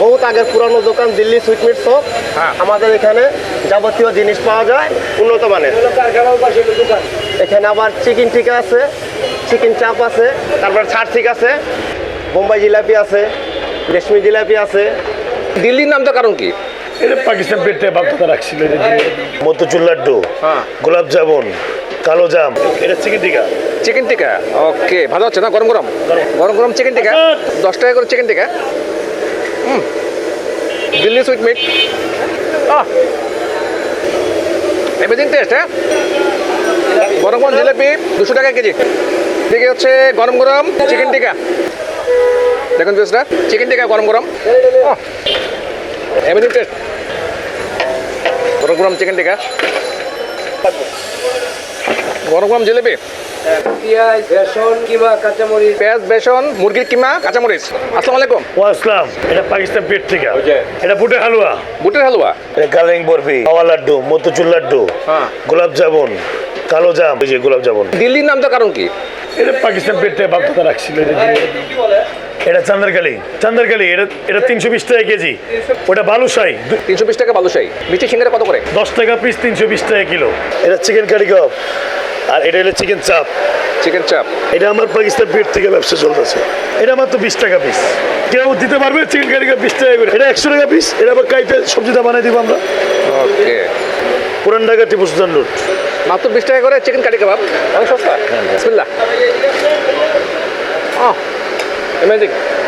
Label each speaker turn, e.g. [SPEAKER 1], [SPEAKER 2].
[SPEAKER 1] বহুত আগের পুরানো দোকান দিল্লি সুইটমিট শপ।
[SPEAKER 2] হ্যাঁ।
[SPEAKER 1] আমাদের এখানে যাবতীয় জিনিস পাওয়া যায় উন্নত মানের। এখানে আবার চিকেন টিকা আছে, চিকেন চাপ আছে, তারপর ছাড় আছে, বোম্বাই জিলাপি আছে, রেশমি জিলাপি আছে।
[SPEAKER 2] দিল্লির নামটা কারণ কি?
[SPEAKER 3] এটা পাকিস্তান পেটে বাধ্যতা রাখছিল।
[SPEAKER 4] মতিচুর লাড্ডু,
[SPEAKER 2] হ্যাঁ।
[SPEAKER 4] গোলাপ জামুন, কালো জাম, এটা চিকেন টিকা।
[SPEAKER 2] চিকেন টিকা, ওকে, ভালো হচ্ছে না? গরম গরম গরম গরম চিকেন টিকা, 10 টাকা করে chicken tikka. Delhi sweet meat, everything taste. হ্যাঁ, গরম গরম জিলাপি 200 টাকা কেজি। দিকে হচ্ছে গরম গরম চিকেন টিকা, দেখুন পেঁয়াজটা, চিকেন টিকা গরম গরম, এভরিথিং টেস্ট। গরম গরম চিকেন টিকা, গরম গরম জিলাপি,
[SPEAKER 5] পেঁয়াজ, বেসন, কিমা, কাঁচামরিচ।
[SPEAKER 2] পেঁয়াজ, বেসন, মুরগির কিমা, কাঁচামরিচ। আসসালামু আলাইকুম।
[SPEAKER 4] ওয়াসলাম, এটা পাকিস্তান পেট থেকে। এটা বুটের হালুয়া,
[SPEAKER 2] বুটের হালুয়া,
[SPEAKER 4] এটা কালিং বরফি, মাওয়া লাড্ডু, মতিচুর লাড্ডু,
[SPEAKER 2] হ্যাঁ।
[SPEAKER 4] গোলাপ জামুন, কালো জাম, এই যে গোলাপ জামুন।
[SPEAKER 2] দিল্লির নামটা কারণ কি?
[SPEAKER 3] এটা পাকিস্তান পেটে বাধ্যতা রাখছিল।
[SPEAKER 4] এটা চান্দারকালি, চান্দারকালি, এটা 320 টাকা কেজি। ওটা বালুশাই,
[SPEAKER 2] 320 টাকা বালুশাহী। মিষ্টি সিঙ্গারা কত করে?
[SPEAKER 3] 10 টাকা পিস, 320 টাকা কিলো।
[SPEAKER 4] এটা চিকেন কারি কাপ, আর এটা হলো চিকেন চাপ।
[SPEAKER 2] চিকেন চাপ,
[SPEAKER 4] এটা আমার পাকিস্তান পেট থেকে ব্যবসা চলতেছে। এটা মাত্র 20 টাকা পিস। কেউ দিতে পারবে চিকেন কারি কাপ 20 টাকা করে? এটা 100 টাকা পিস। এটা আবার কাইতে সবজিটা বানাই দিব আমরা।
[SPEAKER 2] ওকে।
[SPEAKER 4] পুরান ঢাকা টিপু সুলতান রোড।
[SPEAKER 2] মাত্র 20 টাকা করে চিকেন কারি কাবাব, অনেক সস্তা। বিসমিল্লাহ। অ্যামেজিং।